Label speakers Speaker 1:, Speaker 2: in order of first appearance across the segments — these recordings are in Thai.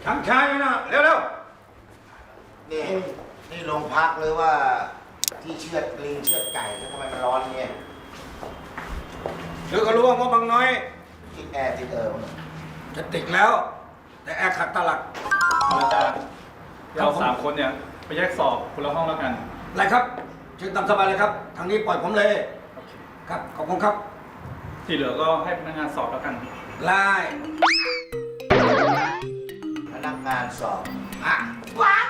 Speaker 1: ทางชายนะเร็ว
Speaker 2: นี่โรงพักเลยว่าที่เชือดลิงเชือดไก่แล้วทำไมมันร้อนเนี่ย
Speaker 1: เดี๋ยวก็รู้ว่างบบางน้อย
Speaker 2: ติดแอร์ติด
Speaker 1: จะติดแล้ว แต่แอร์ขัดตลัก
Speaker 3: อาจารย์เรา3 คนเนี่ยไปแยกสอบคนละห้องแล้วกัน
Speaker 1: อะไรครับเชิญตามสบายเลยครับทางนี้ปล่อยผมเลยครับขอบคุณครับ
Speaker 3: ที่เหลือก็ให้พนักงานสอบแล้วกัน
Speaker 1: ไล่
Speaker 2: พนักงานสอบ
Speaker 1: ว้า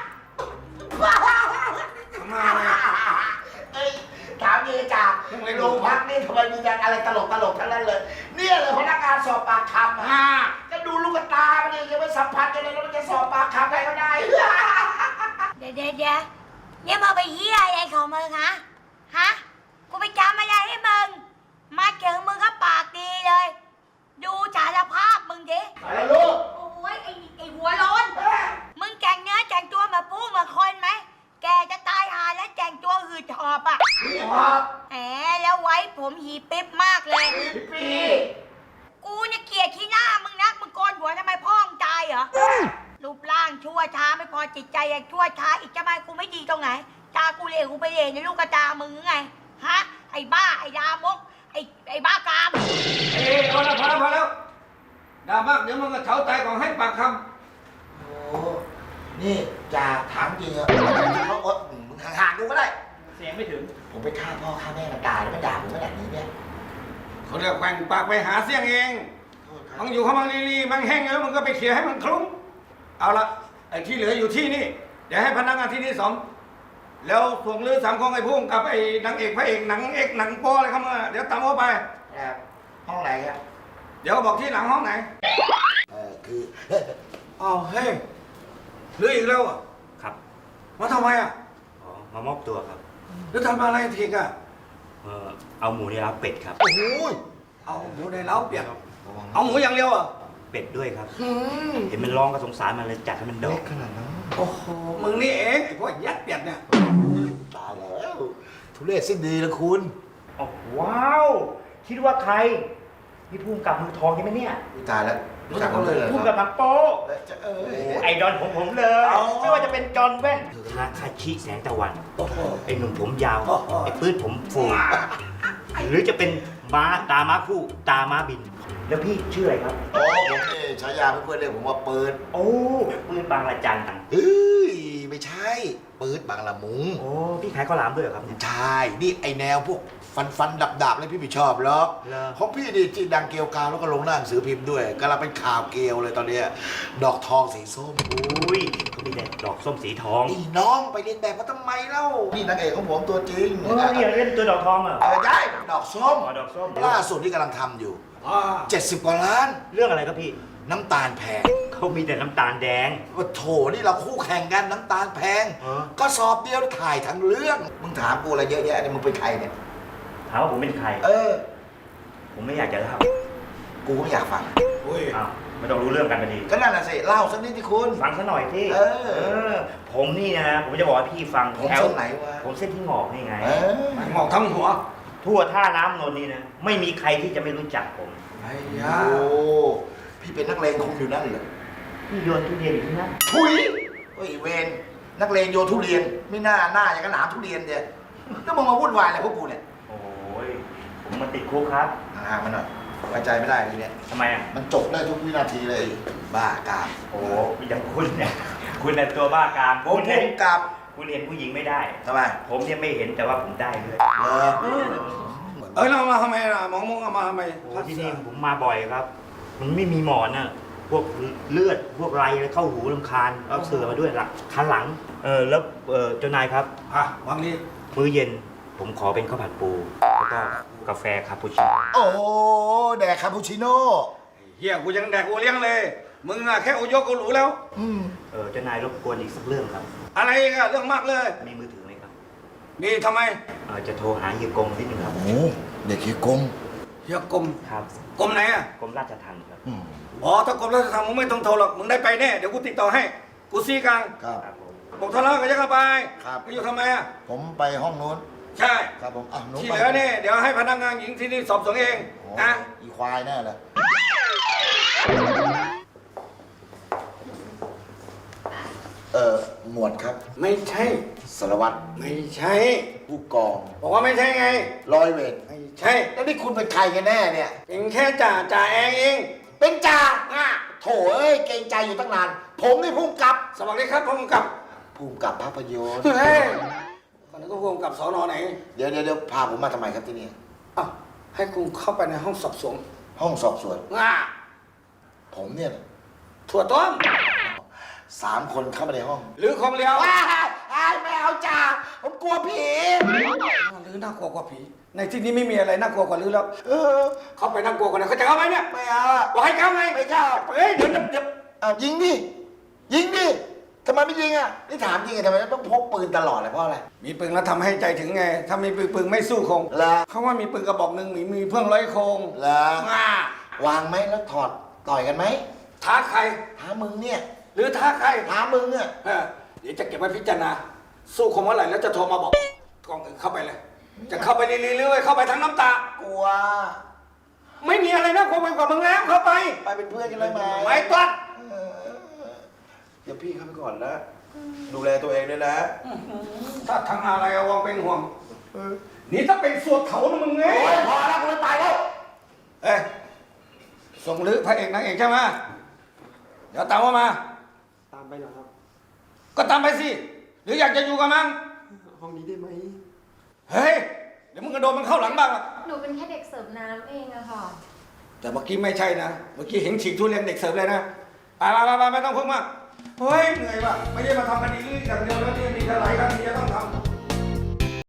Speaker 1: มาเลย
Speaker 2: ถามดีจ้าโรงพักนี่ทำไมมีแต่อะไรตลกทั้งนั้นเลยเนี่ยเลยพนักงานสอบปากคำจะดูลูกตามันนี่ยังไม่สัมผัสกันเลยแล้วมันจะสอบปากคำใครก็ได้
Speaker 4: เดี๋ยวเนี่ยมาไปเฮียอะไรของมึงฮะกูไปจำอะไรให้มึงมาเจอมึงก็ปากดีเลยดูสารภาพมึงดิ
Speaker 2: อะไรลูก
Speaker 4: โอ้ยไอหัวร้อนมึงแต่งเนื้อแต่งตัวมาปู้มาคนไหมแกจะตายหาแล้วแต่งตัวหืดหอบอ่ะแหมแล้วไว้ผมหีปิ๊บมากเลยกูเนี่ยเกลียดขี้หน้ามึงนักมึงโกนหัวทำไมพ่อมึงตายเหรอรูปร่างชั่วช้าไม่พอจิตใจยังชั่วช้าอีกจะมากูไม่ดีตรงไหนตากูเลวกูไปเลวในลูกกระตามึงไงฮะไอ้บ้าไอ้ดามกไอ้บ้ากาม
Speaker 1: เอาละพอแล้วด่ามากเดี๋ยวมันก็เฉาใจของให้ปากค
Speaker 2: ำโอ้นี่จ่าถามจริงเหรอเขาอดมึงห่างๆดูก็ได้
Speaker 3: เสียงไม่ถึง
Speaker 2: ผมไปฆ่าพ่อฆ่าแม่มันตายแล้วมันด่าผมขนาดนี้เนี่ย
Speaker 1: เขาเรียกแกว่งปากไปหาเสียงเองมันอยู่ข้างบางลีมันแห้งแล้วมันก็ไปเขี่ยให้มันคลุ้งเอาละไอ้ที่เหลืออยู่ที่นี่เดี๋ยวให้พนักงานที่นี่สมแล้วส่งเรือ3 ของไอ้พุ่งกับไอ้นางเอกพระเอกหนังโป้อะไรเข้ามาเดี๋ยวตามเขาไป
Speaker 2: ห้องไหนครับ
Speaker 1: เดี๋ยวบอกที่หลังห้องไหน
Speaker 2: คือ
Speaker 1: อ้าวเฮ้ยเรืออีกแล้วอ่ะ
Speaker 5: ครับ
Speaker 1: มาทำไมอ่ะ
Speaker 5: มามอบตัวครับ
Speaker 1: แล้วทำอะไรทีกอ่ะ
Speaker 5: เอาหมูในเล้าเป็ดครับ
Speaker 1: โอ้โหเอาหมูในเล้าเป็ดเอาหมูอย่างเดียวอ่ะ
Speaker 5: เป็ดด้วยครับเห็นมันร้องก็สงสารมันเลยจัดให้มันดอก
Speaker 2: ขนาดนั้น
Speaker 1: โอ้โหมึงนี่เองไอ้พวกยัดเป็ดเนี่ย
Speaker 2: ตายแล้วทุเรศสิ้นดีละคุณ
Speaker 6: ว้าวคิดว่าใครนี่พุ่งกับมือทองใช่ไหมเนี่ย
Speaker 2: ตายแล้วรู้จักเขาเลย
Speaker 6: พุ่งกับนักโป๊ไอดอลของผมเลยไม่ว่าจะเป็นจอห์นแว่น
Speaker 5: ฮาคาชิแสงตะวันไอหนุ่มผมยาวไอปื้ดผมฟูหรือจะเป็นม้าตาม้าคู่ตาม้าบิน
Speaker 6: แล้วพี่ชื่ออะไรครับ
Speaker 2: ผมนี่ฉายาเพื่อนๆเรียกผมว่าปืน
Speaker 6: โอ้ปืนบางละจัน
Speaker 2: ไม่ใช่ปืนบางละมุง
Speaker 6: โอ้พี่ขายข้าวหลามด้วยครับ
Speaker 2: ใช่นี่ไอแนวพวกฟันดับเลยพี่ไม่ชอบหรอกของพี่นี่ที่ดังเกลียวกาวแล้วก็ลงหน้าหนังสือพิมพ์ด้วยกำลังเป็นข่าวเกลียวเลยตอนนี้ดอกทองสีส้ม
Speaker 5: อุ้ยเขามีแต่ดอกส้มสีทอง
Speaker 2: นี่น้องไปเรียนแบบมาทำไมเล่านี่นางเอกของผมตัวจริง
Speaker 6: นี่เล่นตัวดอกทองเหรอ
Speaker 2: ได้ดอกส้ม
Speaker 6: ดอกส้ม
Speaker 2: ล่าสุดที่กำลังทำอยู่70 กว่าล้าน
Speaker 5: เรื่องอะไรครับพี่
Speaker 2: น้ำตาลแพง
Speaker 5: เขามีแต่น้ำตาลแดง
Speaker 2: โอ้โถนี่เราคู่แข่งกันน้ำตาลแพงก็สอบเดียวถ่ายทั้งเรื่องมึงถามกูอะไรเยอะแยะเนี่ยมึงเป็นใครเนี่ย
Speaker 5: ถามว่าผมเป็นใครผมไม่อยากจะเล่า
Speaker 2: กูไม่อยากฟัง
Speaker 5: ไม่ต้องรู้เรื่องกันไปดี
Speaker 2: ก็นั่นแหละสิเล่าสักนิดที่คุณ
Speaker 5: ฟังซะหน่อยที่ผมนี่นะผมจะบอกให้พี่ฟัง
Speaker 2: ผมเส้นไหนวะ
Speaker 5: ผมเส้นที่งอกนี่ไง
Speaker 1: งอกทั้งหัว
Speaker 5: ทั่วท่าน้ำนนนี่นะไม่มีใครที่จะไม่รู้จักผม
Speaker 2: โอ้พี่เป็นนักเลงคุมอยู่นั่นเหรอ
Speaker 5: พี่โยนทุเรียนอยู่ที่นั่น
Speaker 2: ทุยเฮ้ยเวรนักเลงโยนทุเรียนไม่น่าอย่างกระหนามทุเรียนเดียแล้วมึงมาวุ่นวายอะไรพวกกูเนี่ย
Speaker 5: โอ้ยผมมาติดคุกครับ
Speaker 2: ห่างมันหน่อยไว้ใจไม่ได้ทีเนี้ย
Speaker 5: ทำไมอ่ะ
Speaker 2: มันจบได้ทุกวินาทีเลยบ้ากาม
Speaker 5: โอ้อย่างคุณเนี่ยคุณเนี่ยตัวบ้ากาม
Speaker 2: ผมเห็นกับ
Speaker 5: คุณเห็นผู้หญิงไม่ได้
Speaker 2: ทำไม
Speaker 5: ผมเนี่ยไม่เห็นแต่ว่าผมได้ด้วย
Speaker 1: เรามาทำไมล่ะมองมาทำไม
Speaker 5: ที่นี่ผมมาบ่อยครับมันไม่มีหมอนน่ะพวกเลือดพวกไรเข้าหูรำคาญเอาเสือมาด้วยหลังคันหลังแล้วเจ้านายครับ
Speaker 1: วันนี้
Speaker 5: มื้อเย็นผมขอเป็นข้าวผัดปูแล้วก็กาแฟคาปูชิโน่
Speaker 2: โอ้แดกคาปูชิโน่
Speaker 1: เฮียกูยังแดกกูเลี้ยงเลยมึงอะแค่โอยกกูหรูแล้ว
Speaker 5: เจ้านายรบกวนอีกสักเรื่องครับ
Speaker 1: อะไรอีกอะเรื่องมากเลย
Speaker 5: มีมือถือไหมครับ
Speaker 1: มีทำไม
Speaker 5: จะโทรหาเฮียกงนิดนึงครับ
Speaker 2: โอ้เด็กเฮียกง
Speaker 5: ครับ
Speaker 1: กรมไหนอะ
Speaker 5: กรมราชทัณฑ์ครับ
Speaker 1: ถ้ากรมราชทัณฑ์มึงไม่ต้องโทรหรอกมึงได้ไปแน่เดี๋ยวกูติดต่อให้กูซีกลาง
Speaker 2: ครับ
Speaker 1: บอกทะเลาะกันยังไงไป
Speaker 2: ครับ
Speaker 1: ไปอยู่ทำไมอะ
Speaker 2: ผมไปห้องนู้น
Speaker 1: ใช่
Speaker 2: ครับผม
Speaker 1: ที่เหลือเนี่ยเดี๋ยวให้พนักงานหญิงที่นี่สอบสวนเองนะ
Speaker 2: อีควายแน่เลยหมวดครับ
Speaker 1: ไม่ใช่
Speaker 2: สารวัตร
Speaker 1: ไม่ใช่
Speaker 2: ผู้กอง
Speaker 1: บอกว่าไม่ใช่ไง
Speaker 2: ร้อยเวร
Speaker 1: ไม่ใช่
Speaker 2: แล้วนี่คุณเป็นใครกันแน่เนี่ย
Speaker 1: เป็นแค่จ่าเอง
Speaker 2: เป็นจ่าโถเอ้ยเกรงใจอยู่ตั้งนาน ผมนี่พุ่มกับ
Speaker 1: สวัสดีครับผมกับ
Speaker 2: พุ่มกับภาพยนตร์
Speaker 1: เฮ้ยตอนนี้ก็ผมกับสอนอไหน
Speaker 2: เดี๋ยวพาผมมาทำไมครับที่นี่
Speaker 1: อ้าวให้คุณเข้าไปในห้องสอบสวน
Speaker 2: ห้องสอบสวน
Speaker 1: ง่า
Speaker 2: ผมเนี่ย
Speaker 1: ถั่วต้ม
Speaker 2: 3 คนเข้ามาในห้อง
Speaker 1: หรือของเลี้ยว
Speaker 2: ว้ายไม่เอาจ่าผมกลัวผี
Speaker 1: หรือน่ากลัวกว่าผี ในที่นี้ไม่มีอะไรน่ากลัวกว่าหรือแล้ว
Speaker 2: เออ
Speaker 1: เข้าไปน่ากลัวกว่านั้นเขาจะเข้าไหมเนี่ย
Speaker 2: ไม่เอาอะ
Speaker 1: บอกให้เข้าไง
Speaker 2: ไม่เข้า
Speaker 1: เฮ้ยเดี๋ยว
Speaker 2: เอายิงดิยิงดิทำไมไม่ยิงอ่ะนี่ถามจริงอะทำไมต้องพกปืนตลอดเลยเพราะอะไร
Speaker 1: มีปืนแล้วทำให้ใจถึงไง ถ้ามีปืนไม่สู้คง
Speaker 2: แล้ว
Speaker 1: เขาว่ามีปืนกระบอกหนึ่งมีเพื่องร้อยโคง
Speaker 2: แล้ว
Speaker 1: ง่าว
Speaker 2: างไหมแล้วถอดต่อยกันไหม
Speaker 1: ท้าใคร
Speaker 2: ท้ามึงเนี่ย
Speaker 1: หรือท้าใคร
Speaker 2: ท้ามึงเนี่ย
Speaker 1: เออเดี๋ยวจะเก็บไว้พิจารณา สู้คงเมื่อไหร่แล้วจะโทรมาบอกกองอื่นเข้าไปเลย จะเข้าไปลีๆหรือเข้าไปทั้งน้ำตา
Speaker 2: กลัว
Speaker 1: ไม่มีอะไรน่ากลัวไปกว่ามึงแล้วเข้าไป
Speaker 2: ไปเป็นเพื่อนกันเลยไหม
Speaker 1: ไม่ตัด
Speaker 2: เออเดี๋ยวพี่เข้าไปก่อนนะดูแลตัวเองด้วยนะ
Speaker 1: ถ้าทางอะไรเอาวางเป็นห่วงนี่ถ้าเป็นสวดเขานะมึงไง
Speaker 2: โอ้ยพอแล้วกูไม่ไปแล้ว
Speaker 1: เอ้ยส่งหรือพระเอกนางเอกใช่ไหมเดี๋ยวตามว่ามา
Speaker 6: ตามไปเหรอครับ
Speaker 1: ก็ตามไปสิ หรืออยากจะอยู่กับมัน
Speaker 6: ห้องนี้ได้ไหม
Speaker 1: เฮ้ย เดี๋ยวมึงกระโดดมันเข้าหลังบ้างอะ
Speaker 7: หนูเป็นแค่เด็กเสิร์ฟน้ำเองอะค่ะ
Speaker 1: แต่เมื่อกี้ไม่ใช่นะ เมื่อกี้เห็นฉีกทุเรียนเด็กเสิร์ฟเลยนะ ไปไม่ต้องพึ่งมากเฮ้ยเหนื่อยว่ะ ไม่ใช่มาทำคดีอย่างเดียวแล้วที่มีหลายคดีจะต้องทำ